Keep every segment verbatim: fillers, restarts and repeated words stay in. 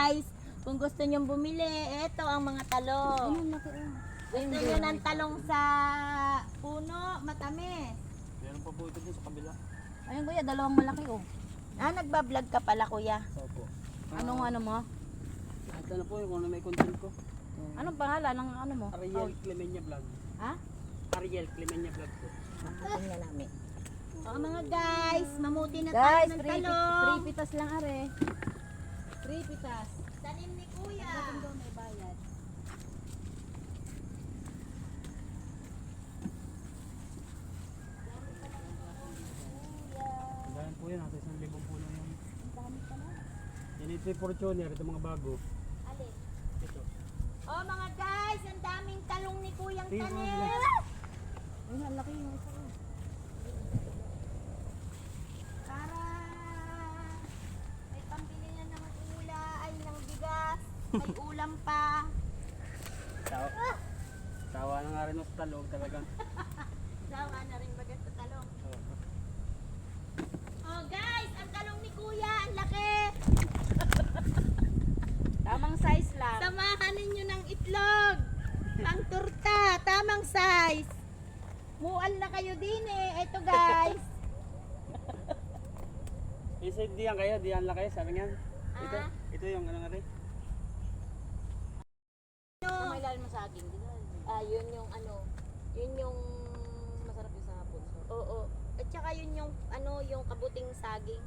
guys, kung gusto nyong bumili, eto ang mga talong. Gusto nyo ng talong sa puno, matamis. Meron pa po ito din sa kabila. Ayun kuya, dalawang malaki oh. Ah, nagbablog ka pala kuya. Opo. Anong ano mo? Ito na po yung kung ano may content ko. Anong pangalan ng ano mo? Ariel Clemenya Vlog. Ha? Ariel Clemenya Vlog po. Tingnan namin. O mga guys, mamuti na tayo Guys, ng three, pit- talong. three pitas lang are. Three pitas. Tanim ni kuya. May bayad. Dahil po yan, nasa isang libong puno yan. Yan ito yung Fortuner, ito mga bago. Alin? Ito. O mga guys, ang daming talong ni kuyang Tingnan mo, tanim. bilang. Ayun, ang laki yung isa. oh. Para may pambili na ng ula, ay ng bigas, may ulam pa. Tawa. Tawa na nga rin sa talong talagang. Sawa na rin bagat sa talong. Oo. Oh guys, ang talong ni kuya, ang laki. Tamang size lang. Samahan ninyo ng itlog. Pang turta, tamang size. Mual na kayo din eh. Ito guys. Isa diyan kayo, diyan lang kayo, sabi nga. Ito, Ah. ito yung ano nga rin. Ano? May lalim mo sa akin. Di ba? Ah, yun yung ano, yun yung, Masarap yung sa hapon. So. oo. At saka yun yung, ano, yung kabuting saging.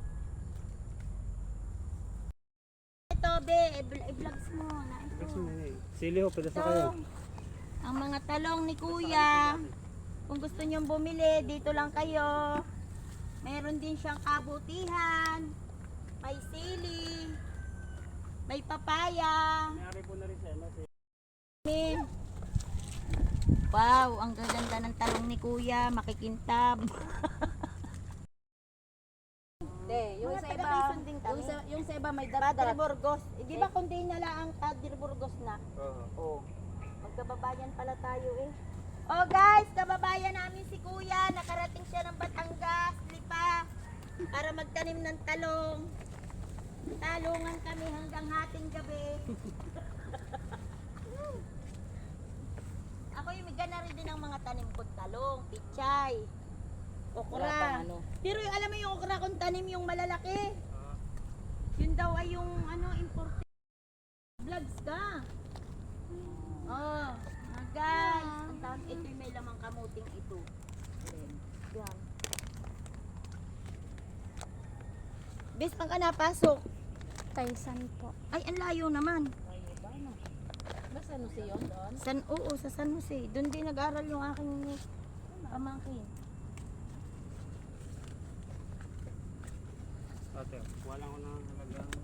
Ito, be, i- i-vlogs mo na ito. Sili ho, pwede sa Ito, kayo. ang mga talong ni kuya. Kung gusto nyong bumili, dito lang kayo. Meron din siyang kabutihan. May sili. May papaya. Mayari po na rin siya, no? Min. Wow, ang gaganda ng talong ni kuya. Makikintab. De, yung Mga sa iba, taga-Quezon din kami. yung sa, yung sa iba may Padre darat-darat. Burgos. Eh, di ba kundi na lang ang Padre Burgos na? Oo. Oh. Magkababayan pala tayo eh. Oh guys, kababayan namin si kuya. Nakarating siya ng Batangas, Lipa. Para magtanim ng talong. Talungan kami hanggang hating gabi. Ako yung may ganari din ng mga tanim kong talong, pichay, Wala pang okra. ano. Pero yung, alam mo yung okra kong tanim yung malalaki. Yun daw ay yung ano important. Vlogs ka. Oh, mga guys. Ang dami. Ito yung may lamang kamuting ito. Ayan. Yan. Bes, pang ka napasok. Taisan po. Ay, ang layo naman. Ay, iba no. Basta ano siya yun doon? San, oo, sa San Jose. Doon din nag-aral yung aking pamangkin. Ate, wala ko na talagang